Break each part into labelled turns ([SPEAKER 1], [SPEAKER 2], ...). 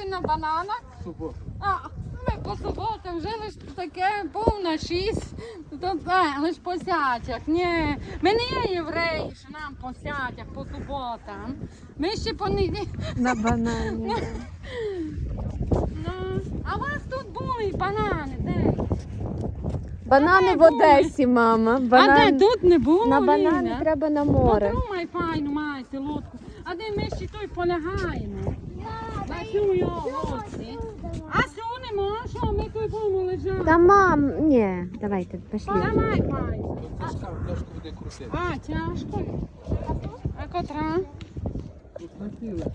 [SPEAKER 1] були на бананах?
[SPEAKER 2] Суботу.
[SPEAKER 1] А, ми по суботам жили ж таке, повна 6, лиш по сятях. Ні, ми не є євреї, що нам по сятях, по суботам. Ми ще по неділі.
[SPEAKER 3] На банані.
[SPEAKER 1] Ну, а у вас тут були банани, де?
[SPEAKER 3] Банани в Одесі, мама.
[SPEAKER 1] А
[SPEAKER 3] Банан...
[SPEAKER 1] де тут не було?
[SPEAKER 3] На банани
[SPEAKER 1] Ліля?
[SPEAKER 3] треба на море.
[SPEAKER 1] Подумай, файну маєте лодку. А де ми ще той полягаємо? На цю його лодці. А сю не можу, ми тут будемо лежати.
[SPEAKER 3] Та мам, ні, давайте, пішли.
[SPEAKER 1] Давай, файну.
[SPEAKER 2] Тяжка, дошку буде крутити.
[SPEAKER 1] А, тяжко. А котра?
[SPEAKER 2] Тут хотіли.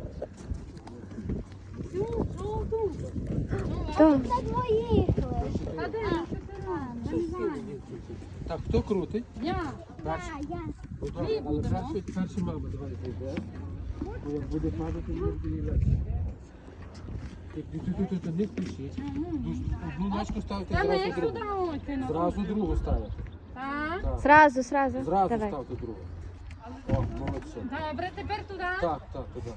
[SPEAKER 1] Цю, жовту.
[SPEAKER 3] То.
[SPEAKER 1] А де? Не знаю.
[SPEAKER 2] Так, хто крутить?
[SPEAKER 1] Я.
[SPEAKER 2] Перший. Ну,
[SPEAKER 1] Ми
[SPEAKER 2] добре, але
[SPEAKER 1] будемо.
[SPEAKER 2] перший мама, давай буде. Бо як буде падати, не буде. Ти не включіть. Одну ночку ставте,
[SPEAKER 1] Та ми
[SPEAKER 2] зразу
[SPEAKER 1] як
[SPEAKER 2] другу.
[SPEAKER 1] сюди ойти на
[SPEAKER 2] Зразу другу ставите.
[SPEAKER 1] Так.
[SPEAKER 2] Так.
[SPEAKER 3] Зразу.
[SPEAKER 2] Зразу
[SPEAKER 3] Давай.
[SPEAKER 2] ставте другу. О, молодці.
[SPEAKER 1] Добре, тепер туди.
[SPEAKER 2] Так, туди.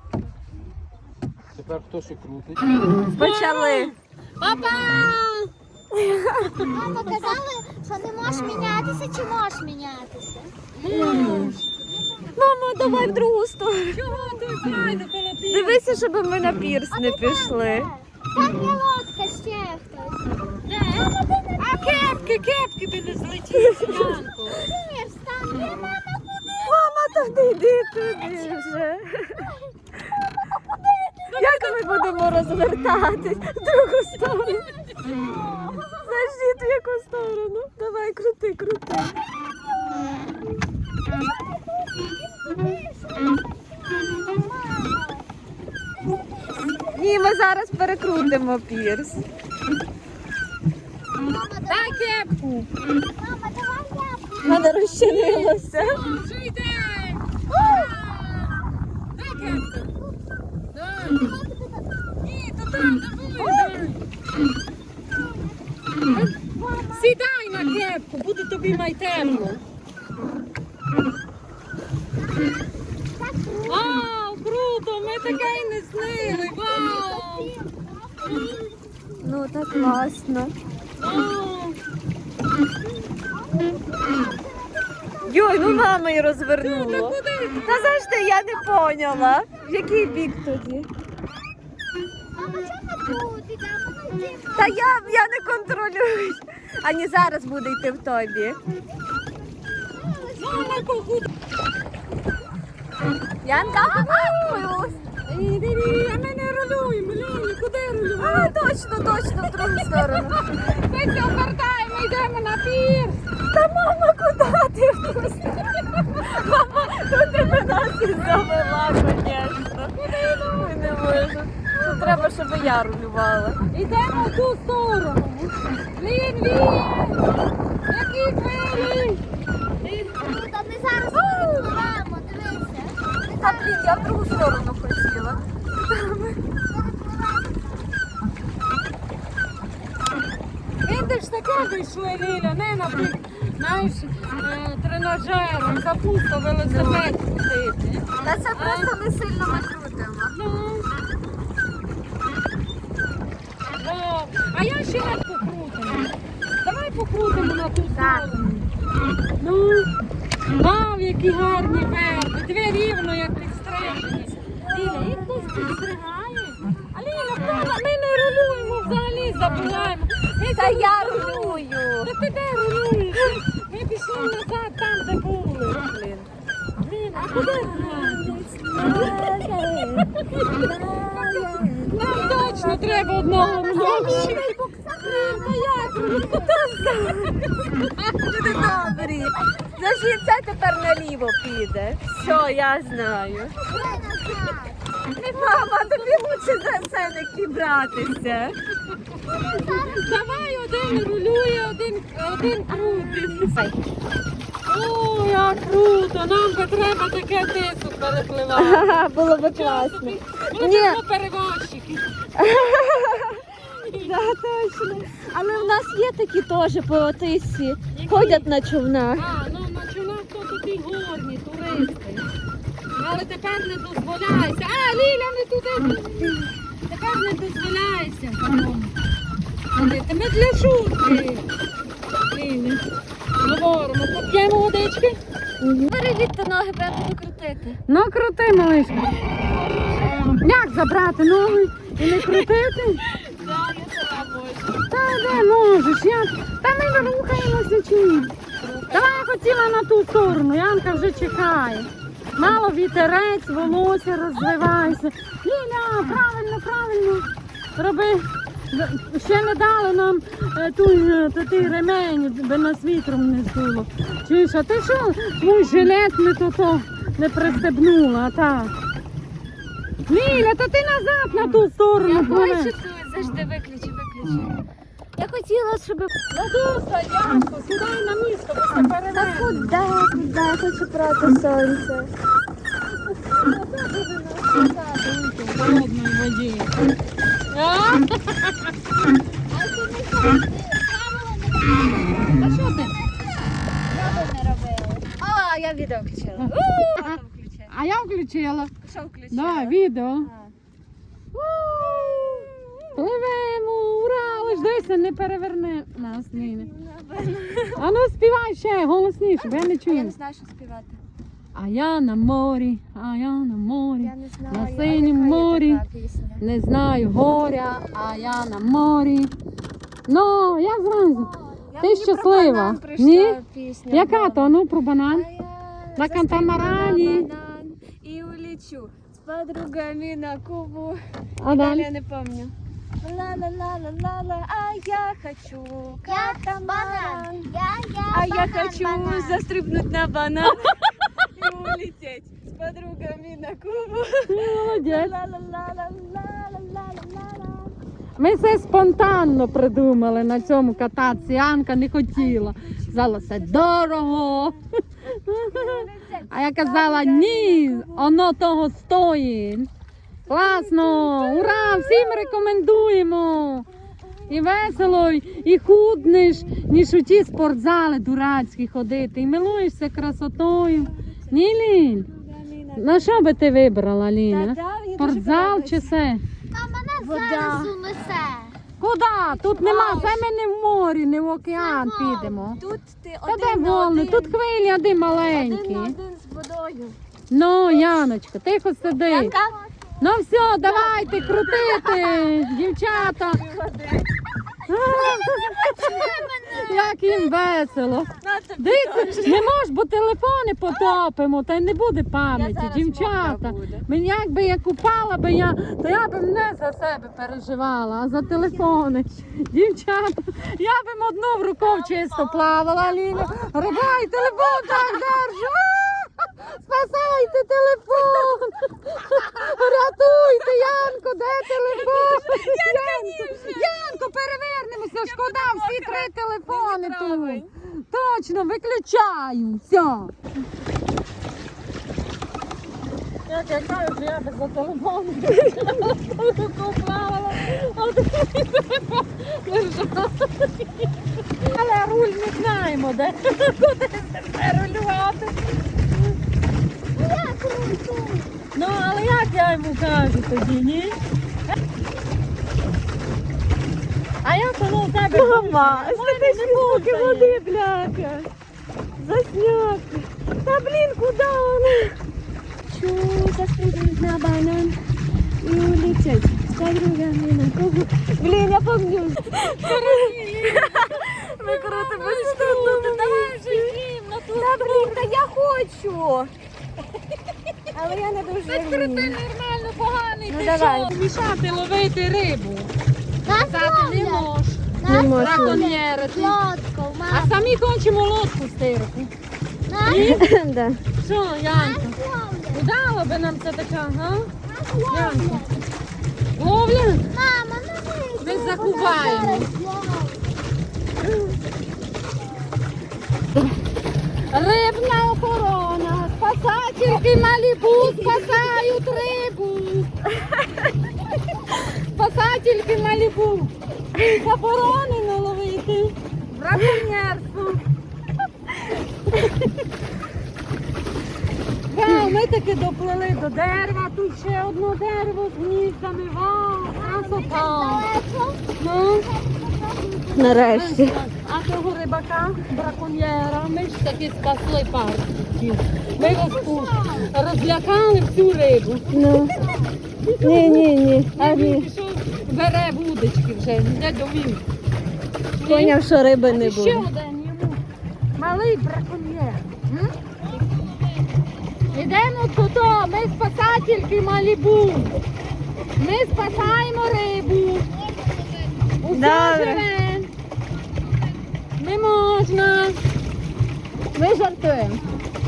[SPEAKER 2] Тепер хто ще крутить?
[SPEAKER 3] Почали.
[SPEAKER 1] Папа!
[SPEAKER 4] Мама казали, що не можеш мінятися чи можеш мінятися.
[SPEAKER 3] Мамо, давай в другу сторону.
[SPEAKER 1] Чого ти пройде коло пів?
[SPEAKER 3] Дивися, щоб ми на пірс не пішли.
[SPEAKER 4] Там є лодка, ще хтось.
[SPEAKER 1] А кепки би не злетіли, Янко.
[SPEAKER 4] Ні, встань, є мама.
[SPEAKER 3] Мама, та не йди туди вже. Як ми будемо розвертатись в другу сторону? Зажди, в яку сторону? Давай, крути. Ні, ми зараз перекрутимо пірс.
[SPEAKER 1] Дай кепку.
[SPEAKER 4] Мама, давай я.
[SPEAKER 3] В мене розчинилося.
[SPEAKER 1] Що йде? Дай кепку. Дай. Ні, то там, дай. Сідай на кепку, буде тобі майтемно. Вау, круто, ми таке й не снили, вау.
[SPEAKER 3] Ну, так класно.
[SPEAKER 1] Вау.
[SPEAKER 3] Йой, ну мама й
[SPEAKER 1] Та
[SPEAKER 3] розвернула.
[SPEAKER 1] куди?
[SPEAKER 3] Та завжди я не поняла. В який бік тоді?
[SPEAKER 4] Мама, чого не тут? Мама, йди.
[SPEAKER 3] Та я не контролюю. Ані зараз буде йти в той бік.
[SPEAKER 1] Мама, куди?
[SPEAKER 3] Янка,
[SPEAKER 1] Іди, а ми не рулюємо, Лілі, куди рулюємо?
[SPEAKER 3] точно, в другу сторону.
[SPEAKER 1] Ми все обертаємо, йдемо на пірс.
[SPEAKER 3] Та мама, куди ти в ту сторону? Мама, тут тебе нас і завела, звісно. Ой, не можу. Тут треба, щоб я рулювала.
[SPEAKER 1] Йдемо в ту сторону. Лін, які двері.
[SPEAKER 4] Та ми зараз перепливемо, дивися.
[SPEAKER 3] Та, блін, я в другу сторону хотіла.
[SPEAKER 1] Видиш, таке вийшли, Ліля, не на бік, знаєш, тренажером, капусту, велосипед крутити.
[SPEAKER 3] Та це просто не сильно ми крутимо.
[SPEAKER 1] Ну. О, а я ще раз покрутимо. Давай покрутимо на ту сторону. Ну, вау, які гарні верби. Дві рівно, як підстрижені. Ліля, їх хтось підстригає. А Ліля, ми не рулюємо взагалі, забуваємо.
[SPEAKER 3] Та я рулюю.
[SPEAKER 1] Та ти де рулюєш? Ми пішли назад, там, де були.
[SPEAKER 3] Блін.
[SPEAKER 1] Ліля, а куди рулюєш? Нам точно треба одного вночі. Та як рулюєш?
[SPEAKER 3] Люди добрі. Значить, це тепер наліво піде. Все, я знаю. Мама, тобі лучше за це не братися.
[SPEAKER 1] Давай один рулює, один крутить. О, як круто! Нам би треба таке тису перепливати.
[SPEAKER 3] Ага, було би класно.
[SPEAKER 1] Ми
[SPEAKER 3] Ні.
[SPEAKER 1] будемо перевозчики.
[SPEAKER 3] Да, точно. Але в нас є такі теж по Отисі. Ходять на човнах.
[SPEAKER 1] А, ну на чолах то такі горні туристи. Але тепер не дозволяється. А, Ліля, не туди. Така ж не дозволяється такому. Ходити. Ми для шутки. Ліля. Говоримо, поп'ємо водички.
[SPEAKER 3] Перевідьте ноги, треба докрутити.
[SPEAKER 1] Ну, крути, малишка. Як забрати ноги і не крутити?
[SPEAKER 3] Так, я сама можу.
[SPEAKER 1] Та де можеш? Як? Та ми рухаємося чи ні? Давай я хотіла на ту сторону, Янка вже чекає. Мало вітерець, волосся розвивається. Ліля, правильно, правильно. Роби. Ще не дали нам той ремень, би нас вітром не здуло. Чуєш, а ти що? Твій жилет не пристебнула, а так. Ліля, то ти назад на ту сторону.
[SPEAKER 3] Я
[SPEAKER 1] пливе.
[SPEAKER 3] хочу тут, завжди виключи. Я хотіла, щоб...
[SPEAKER 1] Надуса, Янко, сідай на місто, бо це перевернемо.
[SPEAKER 3] Куди? Я хочу проти сонця.
[SPEAKER 1] В холодній воді. А? А що ти?
[SPEAKER 3] А, я відео включила.
[SPEAKER 1] А я включила.
[SPEAKER 3] Що включила?
[SPEAKER 1] Давай, відео. Пливемо, ура! Лиш дивися, не переверне нас, Ліля. А ну співай ще голосніше, бо я не
[SPEAKER 3] Я не
[SPEAKER 1] чую.
[SPEAKER 3] знаю, що співати.
[SPEAKER 1] А я на морі, а я на морі.
[SPEAKER 3] Я не знаю.
[SPEAKER 1] На
[SPEAKER 3] а
[SPEAKER 1] синім
[SPEAKER 3] яка є
[SPEAKER 1] морі.
[SPEAKER 3] така пісня?
[SPEAKER 1] Не знаю горя, а я на морі. Ну, я зразу.
[SPEAKER 3] Я
[SPEAKER 1] Ти
[SPEAKER 3] мені про
[SPEAKER 1] щаслива?
[SPEAKER 3] банан прийшла
[SPEAKER 1] Ні?
[SPEAKER 3] пісня.
[SPEAKER 1] Яка то? Ну, про банан.
[SPEAKER 3] А я
[SPEAKER 1] На
[SPEAKER 3] застрибну
[SPEAKER 1] катамарані.
[SPEAKER 3] на банан і улечу з подругами на Кубу.
[SPEAKER 1] А
[SPEAKER 3] Далі
[SPEAKER 1] далі?
[SPEAKER 3] я не помню. Ла-ла-ла-ла-ла-ла, а я хочу катамаран. А я хочу застрибнуть на банан и улететь с подругами на Кубу.
[SPEAKER 1] Молодець.
[SPEAKER 3] Ла-ла-ла-ла-ла-ла-ла-ла-ла.
[SPEAKER 1] Ми все спонтанно придумали на цьому кататися. Анка не хотіла. Сказала, це дорого. А я казала, ні, воно того стоїть. Класно, ура, всім рекомендуємо. І весело, і худнеш, ніж у ті спортзали дурацькі ходити. І милуєшся красотою. Ні, Лінь? На що би ти вибрала, Ліня? Спортзал чи все?
[SPEAKER 4] Та мене
[SPEAKER 3] Вода.
[SPEAKER 4] зараз унесе.
[SPEAKER 1] Куди? Тут нема, це ми не в морі, не в океан підемо.
[SPEAKER 3] Тут ти
[SPEAKER 1] Та де
[SPEAKER 3] один на
[SPEAKER 1] волни?
[SPEAKER 3] один.
[SPEAKER 1] Тут хвилі один
[SPEAKER 3] Один
[SPEAKER 1] маленькі.
[SPEAKER 3] на один з водою.
[SPEAKER 1] Ну, Яночка, тихо сиди.
[SPEAKER 3] Янка?
[SPEAKER 1] Ну все, давайте крутити, дівчата. Як їм весело. Дивіться, не можеш, бо телефони потопимо, та й не буде пам'яті,
[SPEAKER 3] зараз
[SPEAKER 1] дівчата.
[SPEAKER 3] мокра буде.
[SPEAKER 1] Мені якби я купала би я, то я б не за себе переживала, а за телефони. Дівчата, я б одну в рукав чисто плавала, Ліля. Рубай, телефон так держу. Спасайте телефон! Рятуйте, Янко, де телефон? Янко, перевернемося, шкода, всі три телефони тут. Точно, виключаю, все. Як я кажу, я би за телефон плавала, а другий телефон лежав. Але руль не знаємо, де, куди себе рулювати. Ну, але як я йому кажу тоді, ні? А я коли у тебе
[SPEAKER 3] Мама,
[SPEAKER 1] не
[SPEAKER 3] води, бляха. Засняти. Та блін, куди вони? Чу, застрибнуть на банан і улететь з подругами на Кубу. Блін, я помню. Ми крутимо штуку.
[SPEAKER 1] Давай вже їм на ту
[SPEAKER 3] Та блін, та я хочу. Але я не дуже
[SPEAKER 1] крути
[SPEAKER 3] вмію.
[SPEAKER 1] нормально, поганий,
[SPEAKER 3] Ну,
[SPEAKER 1] ти
[SPEAKER 3] давай.
[SPEAKER 1] що? Мішати, ловити рибу.
[SPEAKER 4] Нас
[SPEAKER 1] Казати не
[SPEAKER 4] ловлять.
[SPEAKER 1] можеш.
[SPEAKER 3] Не можу.
[SPEAKER 1] Браконьєрити.
[SPEAKER 4] Лодку,
[SPEAKER 1] А
[SPEAKER 4] мама.
[SPEAKER 1] самі хочемо лодку стирати.
[SPEAKER 3] Да.
[SPEAKER 1] Що, Янко?
[SPEAKER 4] Нас ловлять.
[SPEAKER 1] Удало би нам це така, га?
[SPEAKER 4] Нас ловлять.
[SPEAKER 1] Ловля?
[SPEAKER 4] Мама, ну
[SPEAKER 1] Ми заховаємо. Рибна охорона, спасательки Малібу спасають рибу. Спасательки Малібу. Заборонено ловити. Браконьєрство. Вау, ми таки доплили до дерева, тут ще одне дерево з гніздами. Вау, Отак. Ну,
[SPEAKER 3] Нарешті.
[SPEAKER 1] а того рибака, браконьєра, ми ж таки спасли парку. Ми його розлякали всю рибу.
[SPEAKER 3] Ну. Ні. А
[SPEAKER 1] Він
[SPEAKER 3] ні.
[SPEAKER 1] пішов, бере вудочки вже, йде до він.
[SPEAKER 3] Поняв, що риби не
[SPEAKER 1] Ще
[SPEAKER 3] буде.
[SPEAKER 1] один йому. Малий браконьєр. М? Ідемо туди, ми спасательки Малібу. Ми спасаємо рибу. Усе
[SPEAKER 3] Добре.
[SPEAKER 1] живе. Не можна.
[SPEAKER 3] Ми жартуємо.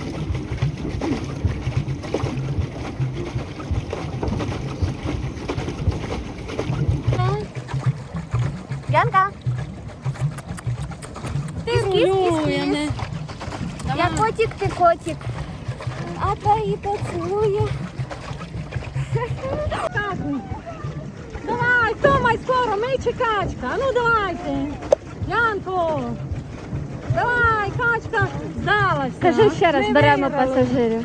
[SPEAKER 3] Янка.
[SPEAKER 1] Ти рулює.
[SPEAKER 3] Я котик, ти котик. А твої поцілує.
[SPEAKER 1] Давай, Томай, скоро, ми чи качка. А ну давайте. Янко. Давай, качка здалася.
[SPEAKER 3] Скажи ще раз,
[SPEAKER 1] Ми
[SPEAKER 3] беремо
[SPEAKER 1] виграли.
[SPEAKER 3] пасажирів.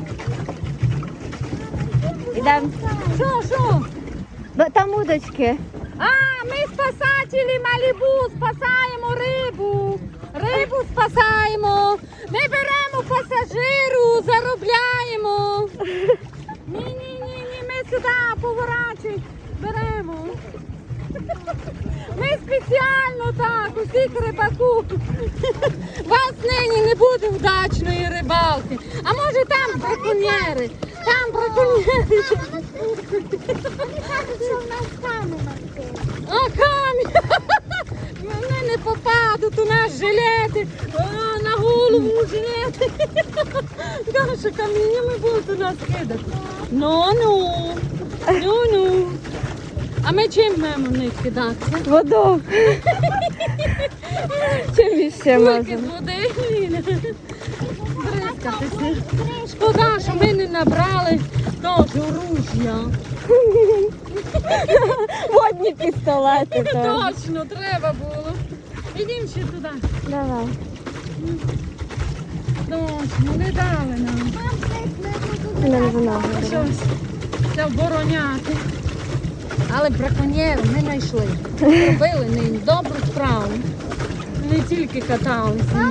[SPEAKER 3] Ідемо.
[SPEAKER 1] Що?
[SPEAKER 3] Там удочки.
[SPEAKER 1] А, ми спасателі Малібу, спасаємо рибу. Рибу спасаємо. Ми беремо пасажиру, заробляємо. Ні, ми сюди поворачуємо. Беремо. Ми спеціально так, усіх рибаку. Вас нині не буде вдачної рибалки. А може там браконьєри? Там браконьєри.
[SPEAKER 4] Вони кажуть, що в нас камера.
[SPEAKER 1] А камінь! Вони не попадуть у нас жилети, а, на голову жилети. Каже, каміннями будуть у нас кидати. Ну. А ми чим маємо в них кидатися?
[SPEAKER 3] Воду. Чим іще
[SPEAKER 1] Кульки
[SPEAKER 3] можемо?
[SPEAKER 1] з води. Бризкатися. Шкода, що ми не набрали теж оружя.
[SPEAKER 3] Водні пістолети. то.
[SPEAKER 1] Точно, треба було. Ідемо ще туди.
[SPEAKER 3] Давай.
[SPEAKER 1] Точно, не дали нам.
[SPEAKER 3] Не винограду.
[SPEAKER 1] Щось це обороняти. Але браконьєрів ми знайшли. Робили нині добру справу. Не тільки каталися.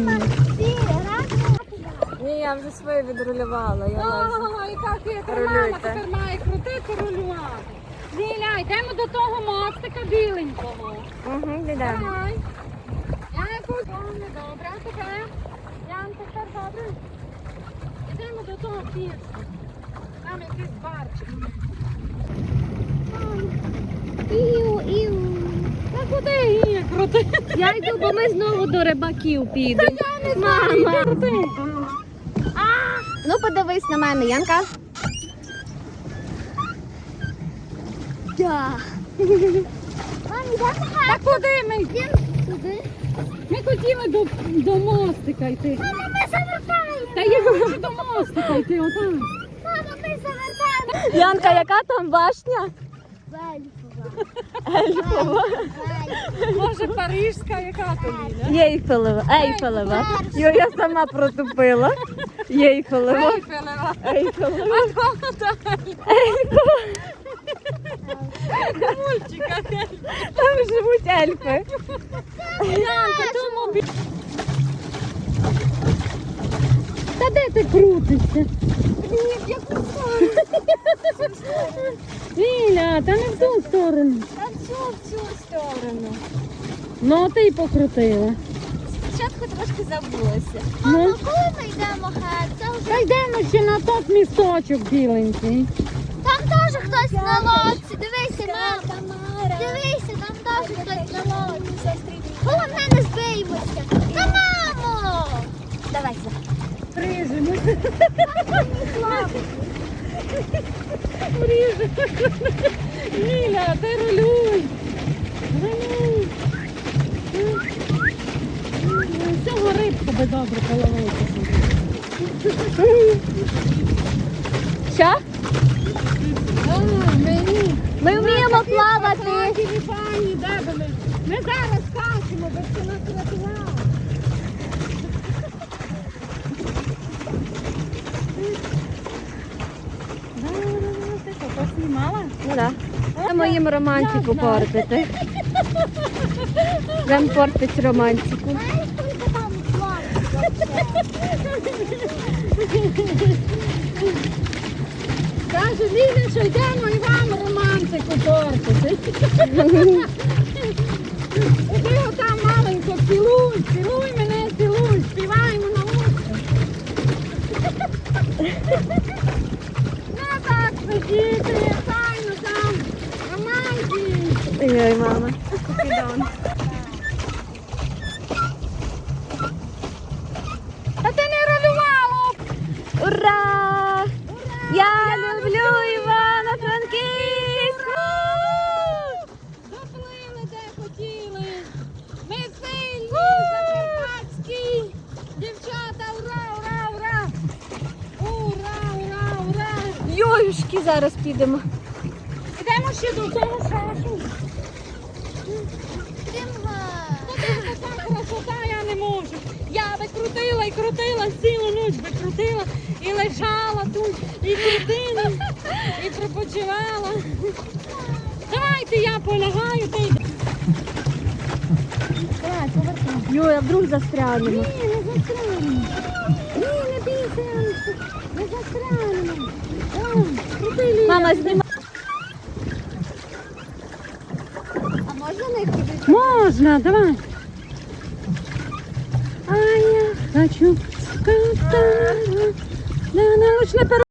[SPEAKER 3] Ні, я вже своє відрулювала.
[SPEAKER 1] Яка хитра мама
[SPEAKER 3] Рулюйте.
[SPEAKER 1] тепер має крутити, рулювати. Ліля, йдемо до того мостика біленького.
[SPEAKER 3] Угу, йдемо.
[SPEAKER 1] Давай. Янко, не добре, а тепер? Янко, тепер добре. Йдемо до того пірсу. Там якийсь барчик.
[SPEAKER 4] Іу.
[SPEAKER 1] Та куди її крутити?
[SPEAKER 3] Я йду, бо ми знову до рибаків підемо.
[SPEAKER 1] Я не знаю,
[SPEAKER 3] Мама.
[SPEAKER 1] крути.
[SPEAKER 3] Ну подивись на мене, Янка.
[SPEAKER 4] Да. Мам, йдемо
[SPEAKER 1] Та куди ми?
[SPEAKER 4] туди.
[SPEAKER 1] Ми хотіли до мостика йти.
[SPEAKER 4] Мама, ми завертаємо.
[SPEAKER 1] Та я хочу до мостика йти, отам.
[SPEAKER 4] Мама, ми завертаємо.
[SPEAKER 3] Янка, яка там башня?
[SPEAKER 4] Вельфова.
[SPEAKER 3] Ельфова.
[SPEAKER 1] Може парижська, яка то Ліля?
[SPEAKER 3] Ейфелева. Ейфелева. Йо, я сама протупила. Ейфелева.
[SPEAKER 1] Ейфелева.
[SPEAKER 3] Ейфелева.
[SPEAKER 1] А то так.
[SPEAKER 3] Ейфелева.
[SPEAKER 1] Мультика.
[SPEAKER 3] Там живуть ельфи.
[SPEAKER 1] Янка, тому бі... Та де ти крутишся? Ліля, та не в ту сторону.
[SPEAKER 3] Та в цю сторону.
[SPEAKER 1] Ну, ти й покрутила.
[SPEAKER 3] Спочатку трошки забулася.
[SPEAKER 1] Ну,
[SPEAKER 4] Коли ми йдемо геть? Це вже...
[SPEAKER 1] та йдемо ще на тот місточок біленький.
[SPEAKER 4] Там теж хтось на лодці. Дивися, мам. Дивися, там теж хтось на лодці. Головне, не збиймося. Та мамо!
[SPEAKER 3] Давай.
[SPEAKER 1] Прижимо. Прижимо. Ліля, ти рулюй. Рулюй. Всього рибку би добре половити.
[SPEAKER 3] Що?
[SPEAKER 1] Мені.
[SPEAKER 3] Ми вміємо плавати.
[SPEAKER 1] Такі пані, де були? Ми зараз скачемо, бо це нас рятувало. Ти що, поснімала?
[SPEAKER 3] Ну так. будемо їм романтику портити. Будемо портити романтику.
[SPEAKER 4] Знаєш, скільки там планів?
[SPEAKER 1] Каже Ліля, що йдемо і вам романтику портити. Іди отам маленько, цілуй, цілуй мене, цілуй, співаємо на вулиці. Не так сидіти, файно там, романтик.
[SPEAKER 3] Ой, мама. Підон.
[SPEAKER 1] А ти не ролювала!
[SPEAKER 3] Ура! Я люблю Івано-Франківську!
[SPEAKER 1] Доплили, де хотіли. Ми сильні, закарпатські. Дівчата, ура, ура, ура! Ура, ура, ура!
[SPEAKER 3] Йоюшки, зараз підемо.
[SPEAKER 1] Ідемо ще до того шашу. Така красота, я не можу. Я би крутила і крутила, цілу ніч би крутила і лежала тут, і крутила, і пропочивала. Давайте я полягаю, ти йди. Давай, повертай.
[SPEAKER 3] Йой, а вдруг застрянемо.
[SPEAKER 1] Ні, не застрянемо. Ні, не бійся, Яночко, не застрянемо. О, крути, Ліля.
[SPEAKER 3] Мама, знімай.
[SPEAKER 4] А можна не ходити?
[SPEAKER 1] Можна, давай. А я хочу кататься на научной